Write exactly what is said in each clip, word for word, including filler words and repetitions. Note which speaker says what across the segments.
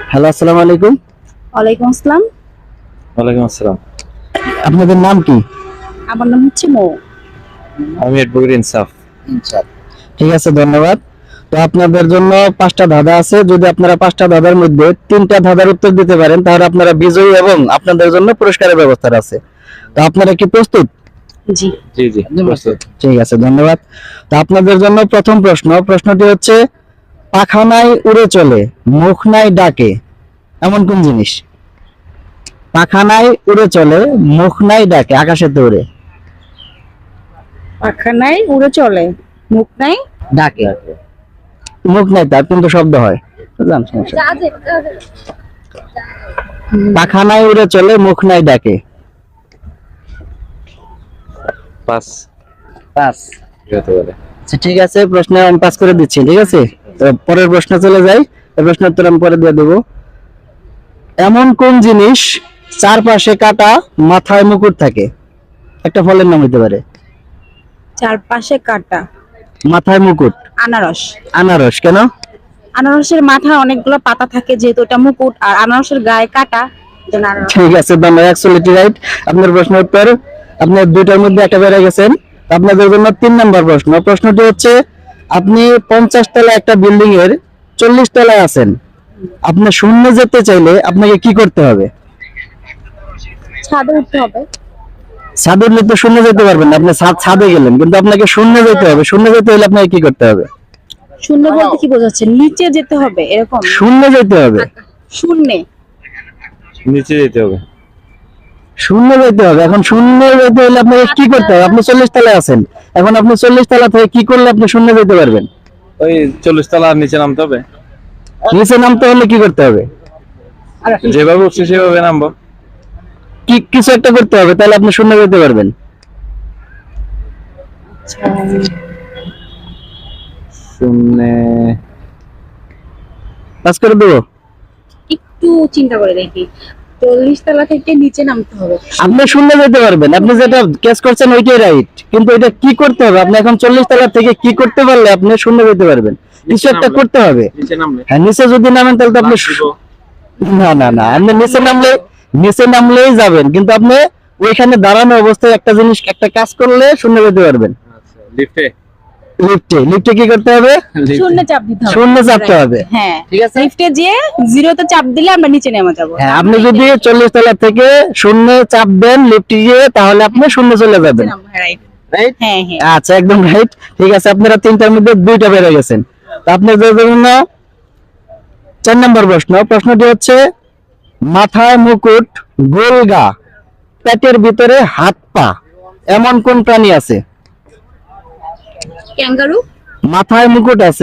Speaker 1: Hello, আসসালামু আলাইকুম।
Speaker 2: ওয়ালাইকুম আসসালাম।
Speaker 3: ওয়ালাইকুম আসসালাম।
Speaker 1: আপনাদের নাম কি?
Speaker 2: আমার নাম হচ্ছে মৌ।
Speaker 3: আমি অ্যাডভোকেট ইনসাফ।
Speaker 1: ঠিক আছে, ধন্যবাদ। তো আপনাদের জন্য পাঁচটা ধাঁধা আছে। যদি আপনারা পাঁচটা ধাঁধার মধ্যে তিনটা ধাঁধার উত্তর দিতে পারেন তাহলে আপনারা বিজয়ী এবং আপনাদের জন্য পুরস্কারের ব্যবস্থা আছে। তো আপনারা কি প্রস্তুত?
Speaker 2: জি
Speaker 3: জি জি প্রস্তুত।
Speaker 1: ঠিক আছে, ধন্যবাদ। তো আপনাদের জন্য প্রথম প্রশ্ন। প্রশ্নটি হচ্ছে, পাখা নাই উড়ে চলে, মুখ নাই ডাকে, এমন কোন জিনিস? পাখা নাই উড়ে চলে, মুখ নাই ডাকে, আকাশেতে উড়ে,
Speaker 2: পাখা নাই উড়ে চলে, মুখ নাই
Speaker 1: ডাকে। মুখ নাই তার কিন্তু শব্দ হয়। বুঝলাম, সমস্যা নেই। পাখা নাই উড়ে চলে, মুখ নাই ডাকে।
Speaker 3: পাস
Speaker 1: পাস।
Speaker 3: কি হতে পারে?
Speaker 1: আচ্ছা, ঠিক আছে, প্রশ্ন আমি পাস করে দিচ্ছি। ঠিক আছে, তো পরের প্রশ্ন চলে যাই। এই প্রশ্নের উত্তর আমি পরে দিয়ে দেবো। এমন কোন জিনিস চারপাশে কাটা, মাথায় মুকুট থাকে? একটা ফলের নাম হতে পারে।
Speaker 2: চারপাশে কাটা,
Speaker 1: মাথায় মুকুট।
Speaker 2: আনারস।
Speaker 1: আনারস। কেন?
Speaker 2: আনারসের মাথায় অনেকগুলো পাতা থাকে যেহেতু এটা মুকুট, আর আনারসের গায়ে কাটা, এজন্য আনারস।
Speaker 1: ঠিক আছে, ধন্যবাদ। Actually right. আপনার প্রশ্নের উত্তর, আপনার দুইটার মধ্যে একটা বেড়ে গেছেন। আপনাদের জন্য তিন নম্বর প্রশ্ন। প্রশ্নটি হচ্ছে, আপনি পঞ্চাশ তলা একটা বিল্ডিং এর চল্লিশ তলায় আছেন। আপনি শূন্য যেতে চাইলে আপনাকে কি করতে হবে?
Speaker 2: ছাদে উঠতে হবে।
Speaker 1: ছাদে উঠলে তো শূন্য যেতে পারবেন না। আপনি ছাদ ছাদে গেলেন, কিন্তু আপনাকে শূন্য যেতে হবে। শূন্য যেতে হলে আপনাকে কি করতে হবে?
Speaker 2: শূন্য বলতে কি বোঝাচ্ছে? নিচে যেতে হবে এরকম?
Speaker 1: শূন্য যেতে হবে।
Speaker 2: শূন্যে।
Speaker 3: নিচে যেতে হবে।
Speaker 1: শূন্য যেতে হবে। এখন শূন্য যেতে হলে আপনাকে কি করতে হবে? আপনি চল্লিশ তলায় আছেন। এখন আপনি চল্লিশ তলা থেকে কি করলে আপনি শূন্য যেতে পারবেন?
Speaker 3: ওই চল্লিশ তলা আর নিচে নামতে হবে।
Speaker 1: নিচে নামতে হলে কি করতে হবে?
Speaker 3: যেভাবে উঠছে সেভাবে নামবো।
Speaker 1: কি কিছু একটা করতে হবে, তাহলে আপনি শূন্য যেতে পারবেন।
Speaker 3: শূন্যে
Speaker 1: পাস করে দেবো।
Speaker 2: একটু চিন্তা করে দেখি। চল্লিশ তলা থেকে নিচে নামতে হবে।
Speaker 1: আপনি শূন্য যেতে পারবেন। আপনি যেটা ক্যাচ করছেন ওইটাই রাইট, কিন্তু এটা কি করতে হবে? আপনি এখন চল্লিশ তলা থেকে কি করতে পারলে আপনি শূন্য যেতে পারবেন? কিছু একটা করতে হবে।
Speaker 3: নিচে নামলে
Speaker 1: হ্যাঁ, নিচে যদি নামেন তাহলে তো আপনি শু- না না না আপনি নিচে নামলে নিচে নামলেই যাবেন, কিন্তু আপনি ওইখানে দাঁড়ানো অবস্থায় একটা জিনিস, একটা কাজ করলে শূন্য যেতে পারবেন।
Speaker 3: আচ্ছা লিফটে
Speaker 1: লিফটে লিফটে কি করতে হবে?
Speaker 2: শূন্যে চাপ দিতে হবে।
Speaker 1: শূন্য চাপতে হবে।
Speaker 2: হ্যাঁ,
Speaker 1: ঠিক আছে।
Speaker 2: লিফটে যেয়ে জিরোতে চাপ দিলে আমরা নিচে নেমে যাব।
Speaker 1: হ্যাঁ, আপনি যদি চল্লিশ তলা থেকে শূন্য চাপ দেন লিফটে গিয়ে, তাহলে আপনি শূন্য চলে যাবেন।
Speaker 2: রাইট।
Speaker 1: রাইট?
Speaker 2: হ্যাঁ হ্যাঁ।
Speaker 1: আচ্ছা, একদম রাইট। ঠিক আছে, আপনারা তিনটার মধ্যে দুইটা বেড়ে গেছেন। তো আপনাদের জন্য চার নম্বর প্রশ্ন। প্রশ্নটি হচ্ছে, মাথায় মুকুট, গোল গা, পেটের ভিতরে হাত পা, এমন কোন প্রাণী আছে?
Speaker 2: ক্যাঙ্গারু।
Speaker 1: মাথায় মুকুট আছে,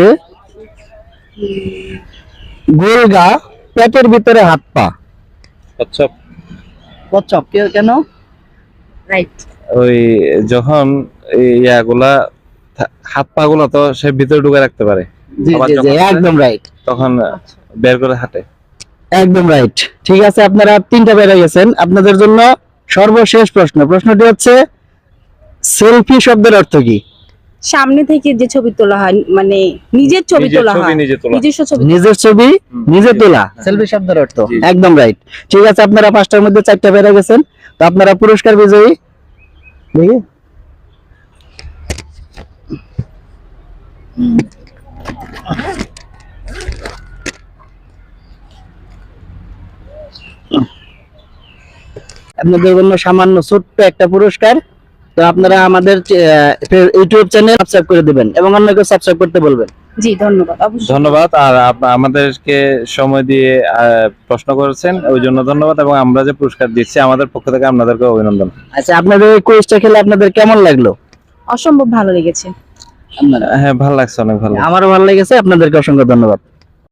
Speaker 1: গোল গা, পেটের ভিতরে হাত পা।
Speaker 3: আচ্ছা
Speaker 1: কচ্ছপ। কেন?
Speaker 2: রাইট।
Speaker 3: ওই যখন এই ইয়াগুলা থা- হাত পা গুলা তো সে ভিতরে ঢুকে রাখতে পারে,
Speaker 1: জি
Speaker 3: আবার
Speaker 1: জি জি,
Speaker 3: যখন
Speaker 1: একদম রাইট।
Speaker 3: তখন বের করে হাঁটে।
Speaker 1: একদম রাইট। ঠিক আছে, আপনারা তিনটা বেড়ে গেছেন। আপনাদের জন্য সর্বশেষ প্রশ্ন। প্রশ্নটি হচ্ছে, সেলফি শব্দের অর্থ কি?
Speaker 2: সামনে থেকে যে ছবি তোলা হয়, মানে নিজের ছবি
Speaker 3: নিজের
Speaker 2: তোলা
Speaker 3: ছবি
Speaker 2: হয়,
Speaker 3: নিজে তোলা।
Speaker 2: নিজস্ব ছবি।
Speaker 1: নিজের ছবি নিজে তোলা,
Speaker 3: হ্যাঁ।
Speaker 1: সেলফি শব্দের অর্থ।
Speaker 3: জি।
Speaker 1: একদম রাইট। ঠিক আছে, আপনারা পাঁচটার মধ্যে চারটা বেড়ে গেছেন। তো আপনারা পুরস্কার বিজয়ী। দেখি আপনাদের জন্য সামান্য ছোট্ট একটা পুরস্কার। তো আপনারা আমাদের ইউটিউব চ্যানেল সাবস্ক্রাইব করে দিবেন এবং অন্যকে সাবস্ক্রাইব করতে বলবেন।
Speaker 2: জি ধন্যবাদ। অবশ্যই
Speaker 3: ধন্যবাদ। আর আপ- আমাদেরকে সময় দিয়ে আহ, প্রশ্ন করেছেন ওই জন্য ধন্যবাদ, এবং আমরা যে পুরস্কার দিচ্ছি আমাদের পক্ষ থেকে আপনাদেরকে অভিনন্দন।
Speaker 1: আচ্ছা, আপনাদের এই কুইজটা খেলে আপনাদের কেমন লাগলো?
Speaker 2: অসম্ভব ভালো লেগেছে।
Speaker 3: হ্যাঁ ভালো লাগছে, অনেক ভালো।
Speaker 1: আমারও ভালো লেগেছে। আপনাদেরকে অসংখ্য ধন্যবাদ।